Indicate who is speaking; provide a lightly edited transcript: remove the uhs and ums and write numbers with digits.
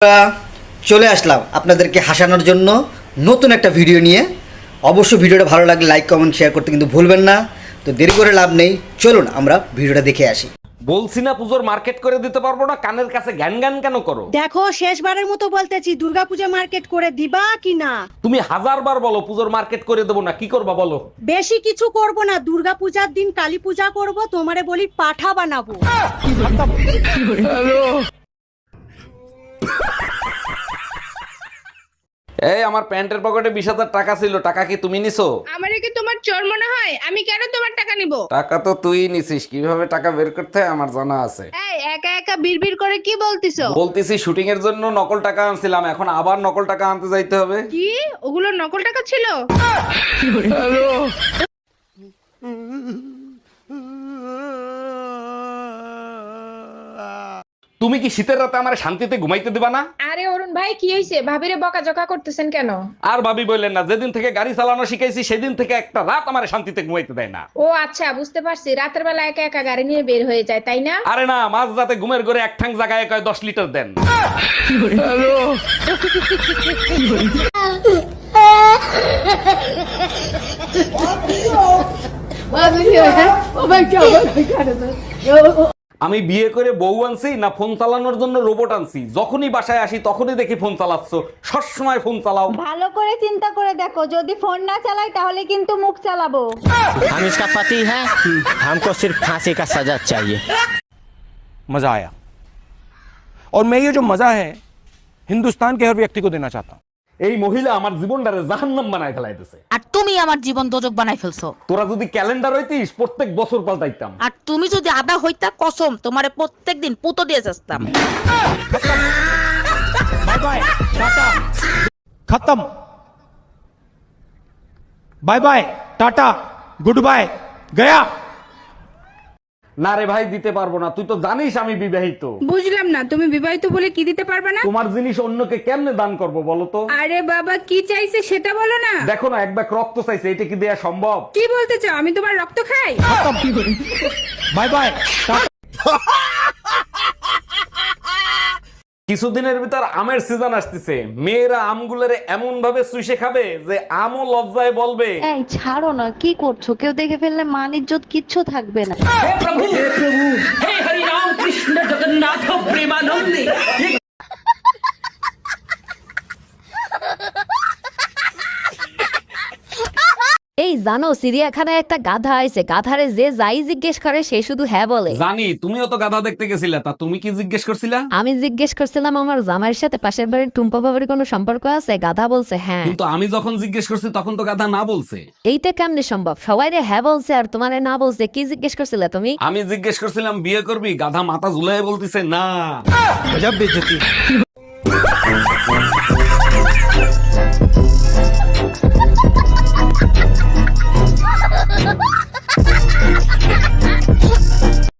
Speaker 1: আমরা চলে আসলাম আপনাদেরকে হাসানোর জন্য নতুন একটা ভিডিও নিয়ে। অবশ্যই ভিডিওটা ভালো লাগলে লাইক কমেন্ট শেয়ার করতে কিন্তু ভুলবেন না। তো দেরি করে লাভ নেই, চলুন আমরা ভিডিওটা দেখে আসি।
Speaker 2: বলছি না পুজোর মার্কেট করে দিতে পারবো না, কানের কাছে জ্ঞান জ্ঞান কেন করো?
Speaker 3: দেখো শেষবারের মতো বলতেছি, দুর্গাপূজা মার্কেট করে দিবা কি না?
Speaker 2: তুমি হাজারবার বলো পুজোর মার্কেট করে দেবো না, কি করবা বলো?
Speaker 3: বেশি কিছু করব না, দুর্গাপূজার দিন কালী পূজা করব, তোমারে বলি পাঠা বানাবো।
Speaker 2: এই আমার প্যান্টের পকেটে 20,000 টাকা ছিল, টাকা কি তুমি নিছো?
Speaker 4: আমারে কি তোমার চোর মনে হয়? আমি কেন তোমার টাকা নিব?
Speaker 2: টাকা তো তুই নিছিস, কিভাবে টাকা বের করতে হয় আমার জানা আছে।
Speaker 4: এই একা একা বিড়বিড় করে কি বলতিছো?
Speaker 2: বলতেছি শুটিং এর জন্য নকল টাকা আনছিলাম, এখন আবার নকল টাকা আনতে যাইতে হবে।
Speaker 4: কি ওগুলো নকল টাকা ছিল?
Speaker 2: তুমি কি শীতের রাতে আমার শান্তিতে ঘুমাইতে দিবা না?
Speaker 5: আরে অরুণ ভাই, কি হয়েছে? ভাবিরে বকাঝকা করতেছেন কেন?
Speaker 2: আর ভাবি বললেন না, যেদিন থেকে গাড়ি চালানো শিখাইছি সেদিন থেকে একটা রাত আমার শান্তিতে ঘুমাইতে দেয় না।
Speaker 5: ও আচ্ছা, বুঝতে পারছি। রাতের বেলা একা একা গাড়ি নিয়ে বের হয়ে যায়, তাই না?
Speaker 2: আরে না, মাঝ রাতে ঘুমের ঘরে এক ঠাং জায়গায় কয় 10 লিটার দেন। আমি বিয়ে করে বউ আনছি না ফোন চালানোর জন্য রোবট আনছি? যখনই বাসায় আসি তখনই দেখি ফোন চালাচ্ছ, সবসময় ফোন চালাও।
Speaker 6: ভালো করে চিন্তা করে দেখো, যদি ফোন না চালাই তাহলে কিন্তু মুখ চালাবো।
Speaker 7: हम इसका पति है, हमको सिर्फ फांसी का सजा चाहिए।
Speaker 8: मजा आया और मैं ये जो मजा है हिंदुस्तान के हर व्यक्ति को देना चाहता हूँ।
Speaker 2: এই মহিলা আমার জীবনটারে জাহান্নাম বানায় ফেলাইতেছে।
Speaker 9: আর তুমি আমার জীবন দোজক বানাই ফেলছো।
Speaker 2: তোরা যদি ক্যালেন্ডার হইতিস প্রত্যেক বছর পাল্টাইতাম।
Speaker 9: আর তুমি যদি আদা হইতা, কসম তোমারে প্রত্যেকদিন পুতো দিয়ে যাস্তাম।
Speaker 8: बाय बाय टाटा, खत्म। Bye bye tata, goodbye, गया।
Speaker 2: না রে ভাই, দিতে পারবো না। তুই তো জানিস আমি বিবাহিত।
Speaker 4: বুঝলাম না, তুমি বিবাহিত বলে কি দিতে পারবে না?
Speaker 2: তোমার জিনিস অন্যকে কেমনে দান করব বলো তো?
Speaker 4: আরে বাবা, কি চাইছে সেটা বলো না।
Speaker 2: দেখো না, এক ব্যাগ রক্ত চাইছে, এটা কি দেয়া সম্ভব?
Speaker 4: কি বলতে চাও? আমি তোমার রক্ত খাই?
Speaker 8: Bye bye tata.
Speaker 2: কিছুদিনের ভিতর আমের সিজন আসতেছে, মেয়েরা আমগুলোরে এমন ভাবে চুষে খাবে যে আমও লজ্জায় বলবে।
Speaker 6: এই ছাড়ো না, কি করছো? কেউ দেখে ফেললে মান ইজ্জত কিচ্ছু থাকবে না।
Speaker 10: এই জানো, চিড়িয়াখানায় একটা গাধা আইছে, গাধারে যে যাই জিজ্ঞেস করে সে শুধু হ্যাঁ বলে।
Speaker 2: জানি, তুমিও তো গাধা দেখতে গেছিলা, তা তুমি কি জিজ্ঞেস করছিলা?
Speaker 10: আমি জিজ্ঞেস করছিলাম আমার জামাইয়ের সাথে পাশের বাড়ির টুম্পা বাবার কোনো সম্পর্ক আছে, গাধা বলছে হ্যাঁ।
Speaker 2: কিন্তু আমি যখন জিজ্ঞেস করছি তখন তো গাধা না বলছে।
Speaker 10: এইটা কেমনে সম্ভব? সবাই রে হ্যাঁ বলছে আর তোমারে না বলছে। কি জিজ্ঞেস করছিলে তুমি?
Speaker 2: আমি জিজ্ঞেস করছিলাম বিয়ে করবি, গাধা মাথা ঝুলাই বলতিছে না।
Speaker 8: गजब बेइज्जती।